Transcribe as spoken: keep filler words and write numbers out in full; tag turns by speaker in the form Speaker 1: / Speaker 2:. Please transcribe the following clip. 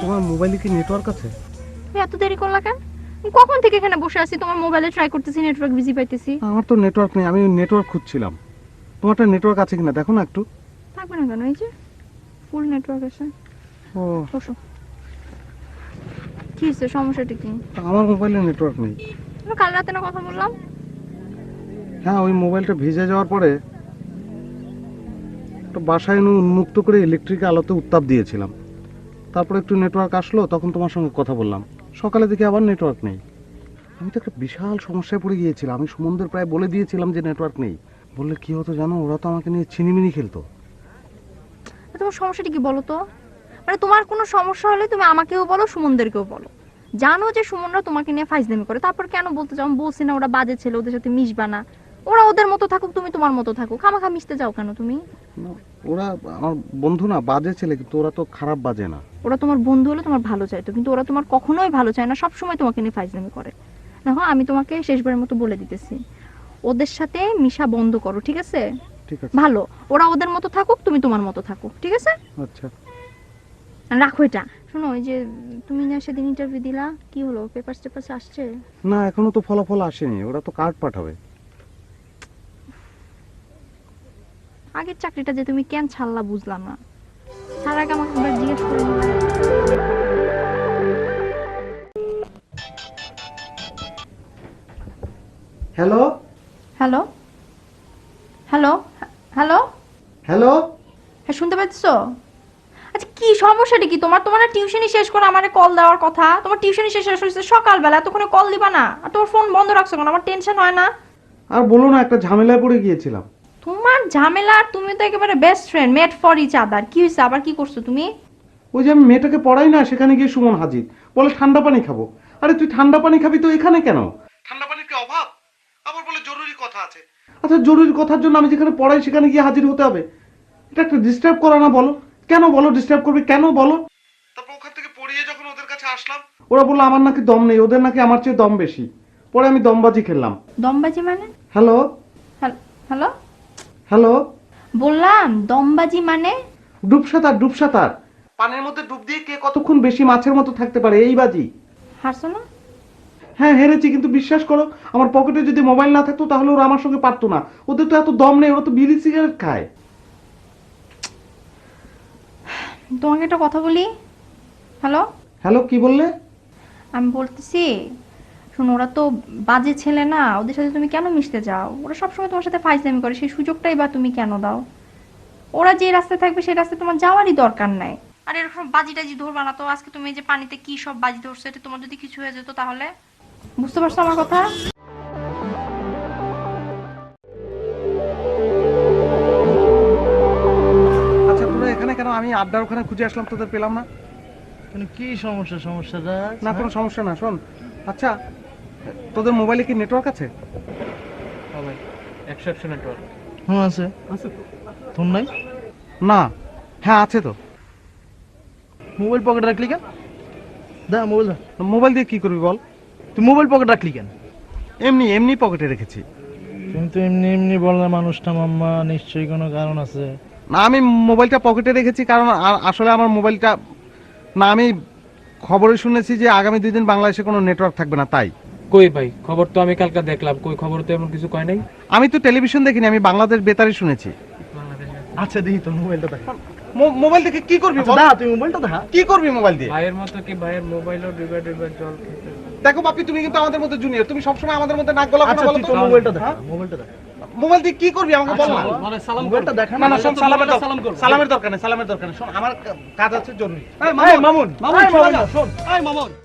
Speaker 1: তোমার মোবাইলে কি নেটওয়ার্ক আছে?
Speaker 2: তুমি এত দেরি করলা কেন? কখন থেকে এখানে বসে আছি, তোমার মোবাইলে ট্রাই করতেছি, নেটওয়ার্ক বিজি পাইতেছি।
Speaker 1: আমার তো নেটওয়ার্ক নেই, আমি নেটওয়ার্ক খুঁজছিলাম। তোমারটা নেটওয়ার্ক আছে কিনা দেখো না একটু।
Speaker 2: থাকবে না কেন, এই যে ফুল নেটওয়ার্ক আছে।
Speaker 1: ও
Speaker 2: বসো। কি হয়েছে, সমস্যাটা কি?
Speaker 1: আমার মোবাইলে নেটওয়ার্ক নেই।
Speaker 2: কাল রাতে না কথা বললাম?
Speaker 1: হ্যাঁ, ওই মোবাইলটা ভিজে যাওয়ার পরে তো বাসায় এনে উন্মুক্ত করে ইলেকট্রিক আলোতে উত্তাপ দিয়েছিলাম, তারপরে একটু নেটওয়ার্ক আসলো, তখন তোমার সঙ্গে কথা বললাম। সকালে দেখি আবার নেটওয়ার্ক নেই। আমি তো একটা বিশাল সমস্যায় পড়ে গিয়েছিলাম। আমি সুমনদের প্রায় বলে দিয়েছিলাম যে নেটওয়ার্ক নেই। বললে কি হতো জানো, ওরা তো আমাকে নিয়ে ছিনিমিনি খেলতো।
Speaker 2: তোমার সমস্যাটা কি বলো তো? মানে তোমার কোনো সমস্যা হলে তুমি আমাকেও বলো, সুমনদেরকেও বলো। জানো যে সুমনরা তোমাকে নিয়ে ফাইজলামি করে, তারপর কেন বলতে যাও? আমি বলছি না ওরা বাজে ছেলে, ওদের সাথে মিশবা না। ওরা ওদের মতো থাকুক, তুমি তোমার মতো থাকুক, খামাখা মিশতে যাও কেন তুমি?
Speaker 1: না, ওরা আমার বন্ধু না, বাজে ছেলে, কিন্তু ওরা তো খারাপ বাজে না।
Speaker 2: ওরা তোমার বন্ধু হলে তোমার ভালো চাইতো, কিন্তু ওরা তোমার কখনোই ভালো চায় না, সবসময় তোমাকে নিয়ে ফাইজলামি করে। দেখো, আমি তোমাকে শেষবারের মতো বলে দিতেছি, ওদের সাথে মিশা বন্ধ করো, ঠিক আছে?
Speaker 1: ঠিক আছে,
Speaker 2: ভালো, ওরা ওদের মতো থাকুক, তুমি তোমার মতো থাকো, ঠিক আছে?
Speaker 1: আচ্ছা।
Speaker 2: রাখো এটা। শোনো, ওই যে তুমি না সেদিন ইন্টারভিউ দিলা, কি হলো? পেপারস টেপারস আসছে?
Speaker 1: না, এখনো তো ফলাফল আসেনি, ওরা তো কার্ড পাঠাবে।
Speaker 2: আগের চাকরিটা যে তুমি কেন ছাড়লা বুঝলাম না। তার আগে আমাকে একবার জিজ্ঞেস করে নিও।
Speaker 1: Hello
Speaker 2: hello hello hello
Speaker 1: hello
Speaker 2: হ্যাঁ, শুনতে পাচ্ছো? আচ্ছা, কি সমস্যাটা কি তোমার? তোমার টিউশনি শেষ করে আমারে কল দেওয়ার কথা। তোমার টিউশনি শেষ হয়েছে সকালবেলা, এতক্ষণে কল দিবা না? আর তোমার ফোন বন্ধ রাখছো কেন? আমার টেনশন হয় না?
Speaker 1: আর বলো না, একটা ঝামেলায় পড়ে গিয়েছিলাম।
Speaker 2: তোমার ঝামেলা? আর তুমি তো একেবারে best friend, made for each other. কি হয়েছে আবার? কি করছো তুমি?
Speaker 1: ওই যে আমি মেয়েটাকে পড়াই না, সেখানে গিয়ে সুমন হাজির, বলে ঠান্ডা পানি খাবো। আরে তুই ঠান্ডা পানি খাবি তো এখানে কেন? ঠান্ডা পানির কি অভাব? আবার বলে জরুরি কথা আছে। আচ্ছা, জরুরি কথার জন্য আমি যেখানে পড়াই সেখানে গিয়ে হাজির হতে হবে? এটা একটা ডিস্টার্ব করা না? বলো কেন, বলো ডিস্টার্ব করবে কেন বলো? তারপর ওখান থেকে পড়িয়ে যখন ওদের কাছে আসলাম, ওরা বললো আমার নাকি দম নেই, ওদের নাকি আমার চেয়ে দম বেশি। পরে আমি দমবাজি খেললাম।
Speaker 2: দমবাজি মানে?
Speaker 1: হ্যালো
Speaker 2: হ্যালো
Speaker 1: হ্যালো
Speaker 2: বললাম, দমবাজি মানে?
Speaker 1: ডুব সাঁতার, ডুব সাঁতার। পানির মধ্যে ডুব দিয়ে কে কতক্ষণ বেশি মাছের মতো থাকতে পারে, এই বাজি।
Speaker 2: হারছো না?
Speaker 1: হ্যাঁ, হেরেছি, কিন্তু বিশ্বাস করো, আমার পকেটে যদি মোবাইল না থাকতো তাহলে ওরা আমার সঙ্গে পারতো না। ওদের তো এত দম নেই, ওরা তো বিড়ি সিগারেট খায়।
Speaker 2: তোমাকে একটা কথা বলি। হ্যালো
Speaker 1: হ্যালো, কি বললে?
Speaker 2: আমি বলতেছি, শোনো, ওরা তো বাজে ছেলে না, ওদের সাথে তুমি কেন মিশতে যাও? ওরা সবসময় তোমার সাথে ফাইজলামি করে, সেই সুযোগটাই বা তুমি কেন দাও? ওরা যে রাস্তায় থাকবে সেই রাস্তায় তোমার যাওয়ারই দরকার নাই। আর এরকম বাজি টাজি ধরবা না তো। আজকে তুমি এই যে পানিতে কি সব বাজি ধরছো, এটা তোমার যদি কিছু হয়ে যেত তাহলে? বুঝতে পারছো আমার কথা?
Speaker 1: আচ্ছা, তোরা এখানে কেন? আমি আড্ডার ওখানে খুঁজে আসলাম, তোদের পেলাম না।
Speaker 3: মানে কি সমস্যা? সমস্যাটা
Speaker 1: না, কোনো সমস্যা না। শোন, আচ্ছা, তোদের মোবাইলে কি নেটওয়ার্ক আছে?
Speaker 3: ভাই একশো একশো নেটওয়ার্ক হুম আছে।
Speaker 1: আছে তো?
Speaker 3: তোর নাই?
Speaker 1: না, হ্যাঁ আছে তো।
Speaker 3: মোবাইল পকেটে রাখলি কেন? দা মোবাইল দা।
Speaker 1: মোবাইল দিয়ে কি করবি বল?
Speaker 3: তুই মোবাইল পকেটে রাখলি কেন?
Speaker 1: এমনি এমনি পকেটে রেখেছি।
Speaker 3: কিন্তু এমনি এমনি বললে মানুষটা মাম্মা, নিশ্চয়ই কোনো কারণ আছে।
Speaker 1: না, আমি মোবাইলটা পকেটে রেখেছি কারণ আ- আসলে আমার মোবাইলটা, না, আমি খবরে শুনেছি যে আগামী দুই দিন বাংলাদেশে কোনো নেটওয়ার্ক থাকবে না, তাই।
Speaker 4: কই ভাই, খবর তো আমি কালকে দেখলাম, কই খবর তো এমন কিছু কয় নাই।
Speaker 1: আমি তো টেলিভিশন দেখিনি, আমি বাংলাদেশ বেতারে শুনেছি।
Speaker 3: আচ্ছা দেখি তোর মোবাইলটা দেখা।
Speaker 1: মো- মোবাইল দেখে কি করবি বল?
Speaker 3: দা তুই মোবাইলটা দেখা।
Speaker 1: কি করবি মোবাইল দিয়ে?
Speaker 4: ভাইয়ের মতো কি ভাইয়ের মোবাইলও ডুবে ডুবে জল খেতে?
Speaker 1: দেখো বাপি, তুমি কিন্তু আমাদের মধ্যে জুনিয়র, তুমি সবসময় আমাদের মধ্যে নাক গলা কেন
Speaker 3: আচ্ছা
Speaker 1: বলো
Speaker 3: তুই
Speaker 1: তো?
Speaker 3: তোর মোবাইলটা দেখা, মোবাইলটা দেখা।
Speaker 1: মোবাইল দিয়ে কি করবি আমাকে বল না।
Speaker 3: মানে সালাম মোবাইলটা দেখা
Speaker 1: না না, শোন, সালামের দর-
Speaker 3: সালাম কর।
Speaker 1: সালামের দরকার নেই, সালামের দরকার নেই। শোন, আমার কাজ আছে জরুরি।
Speaker 3: এই মামুন, মামুন, শোন, শোন। এই মামুন।